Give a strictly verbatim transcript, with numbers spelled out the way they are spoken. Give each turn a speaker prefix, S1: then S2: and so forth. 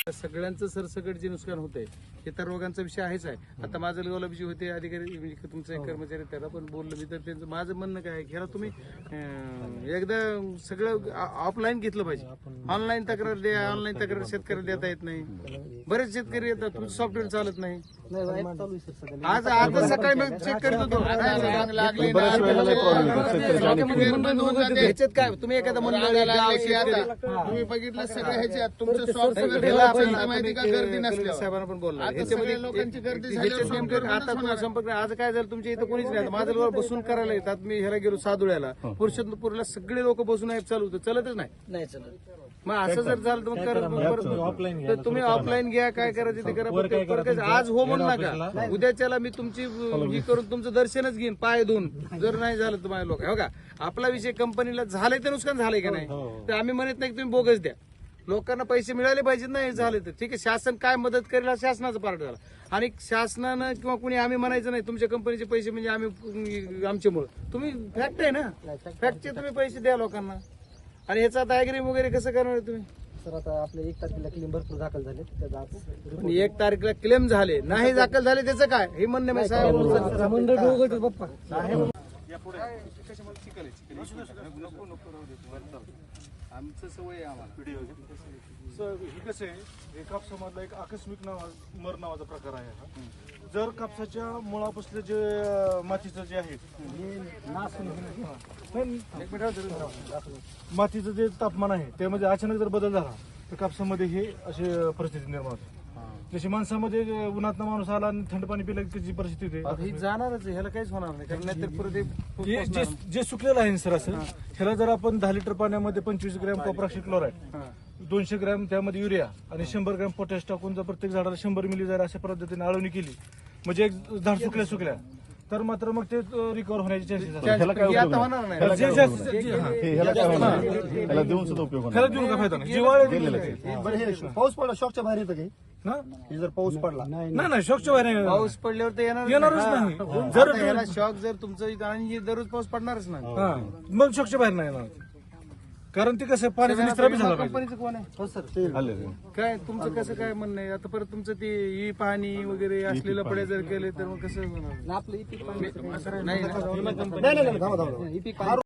S1: सगळ्यांचं सरसकट जे नुकसान होतंय हे तर रोगांचा विषय आहेच आहे. आता माझं लेवला जे होते अधिकारी म्हणजे तुमचे कर्मचारी त्याला पण बोललो मी, तर त्यांचं माझं म्हणणं काय आहे ह्याला तुम्ही एकदा सगळं ऑफलाईन घेतलं पाहिजे. ऑनलाईन तक्रार द्या, ऑनलाईन तक्रार शेतकऱ्याला देता येत नाही. बरेच शेतकरी येतात, तुमचं सॉफ्टवेअर चालत नाही. आज आता सकाळी मी चेक करत होतो ह्याच्यात काय तुम्ही एखादा मंडळ
S2: तुम्ही बघितलं सगळं ह्याच्यात तुमचं सॉफ्टवेअर माहिती का गर्दी नसल्या
S1: साहेबांना पण बोलला
S2: ह्याच्यामध्ये लोकांची गर्दी झाली.
S1: आता तुम्हाला संपर्क आज काय झालं तुमच्या इथं कोणीच नाही. माझं लोक बसून करायला येतात. मी ह्याला गेलो सादुळ्याला, पुरुषोत्तमपूरला सगळे लोक बसून आहेत, चालू होतं, चलतच नाही चलत. मग असं जर झालं तर मग तर तुम्ही ऑफलाईन घ्या, काय करायचं ते करा. आज हो म्हणू नका, उद्याच्याला मी तुमची ही करून तुमचं दर्शनच घेईन पाय धुवून, जर नाही झालं तर माझ्या लोक हो का. आपला विषय कंपनीला झालंय तर नुकसान झालंय का नाही, तर आम्ही म्हणत नाही की तुम्ही बोगस द्या. लोकांना पैसे मिळाले पाहिजेत ना, हे झाले तर ठीक आहे. शासन काय मदत करेल हा शासनाचा पार्ट झाला. आणि शासनानं किंवा कुणी आम्ही म्हणायचं नाही तुमच्या कंपनीचे पैसे म्हणजे आम्ही आमच्यामुळे. तुम्ही फॅक्ट आहे ना, फॅक्टचे तुम्ही पैसे द्या लोकांना. आणि ह्याचा आता ॲग्री वगैरे कसं करणार तुम्ही?
S3: सर आता आपल्या एक तारखेला क्लेम भरपूर दाखल झाले,
S1: पण एक तारखेला क्लेम झाले नाही दाखल झाले त्याचं काय हे म्हणणं मी साहेब
S3: बाप्पा
S1: आमचं सवय आम्हाला.
S4: ही कसं आहे, कापसामधला एक आकस्मिक नावा मर नावाचा प्रकार आहे हा. जर कापसाच्या मुळापासलं जे मातीचं जे आहे मातीचं जे तापमान आहे त्यामध्ये अचानक जर बदल झाला तर कापसामध्ये हे अशी परिस्थिती निर्माण होते. जशी माणसामध्ये उन्हातनं माणूस आला आणि थंड पाणी पिलं की जी परिस्थिती आहे
S1: ही जाणारच आहे, ह्याला काहीच होणार नाही. कारण नाहीतर परत
S4: हे जे जे सुकलेलं आहे सर असं, ह्याला जर आपण दहा लिटर पाण्यामध्ये पंचवीस ग्रॅम कॉपरॉक्सी क्लोराईड, दोनशे ग्रॅम त्यामध्ये युरिया आणि शंभर ग्रॅम पोटॅश टाकून जर प्रत्येक झाडाला शंभर मिली जर अशा पद्धतीने आळवणी केली म्हणजे एक झाड सुकल्या सुकल्या तर मात्र मग ते रिकव्हर होण्याचे चान्सेस असतात.
S1: होणार नाही.
S4: त्याला देऊन काय फायदा नाही, जिवाळे
S3: पाऊस पडला शॉकच्या बाहेर येतं काही
S4: ना.
S3: जर पाऊस पडला
S4: नाही नाही शॉकच्या बाहेर नाही.
S1: पाऊस पडल्यावर तर येणार
S4: येणारच नाही. जर
S1: शॉक जर तुमचं इथं आणि दररोज पाऊस पडणारच नाही.
S4: हा मग शॉकच्या बाहेर नाही येणार, कारण ते कसं पाण्याचा निस्त्राव झाला पाहिजे.
S1: कंपनीचं कोण आहे? हो सर काय तुमचं कसं काय म्हणणं आहे? आता परत तुमचं ते ई पाणी वगैरे असलेलं पडे जर केले तर मग कसं होणार?
S3: आपलं इथे
S1: नाही ना.
S3: नाही नाही थांबा थांबा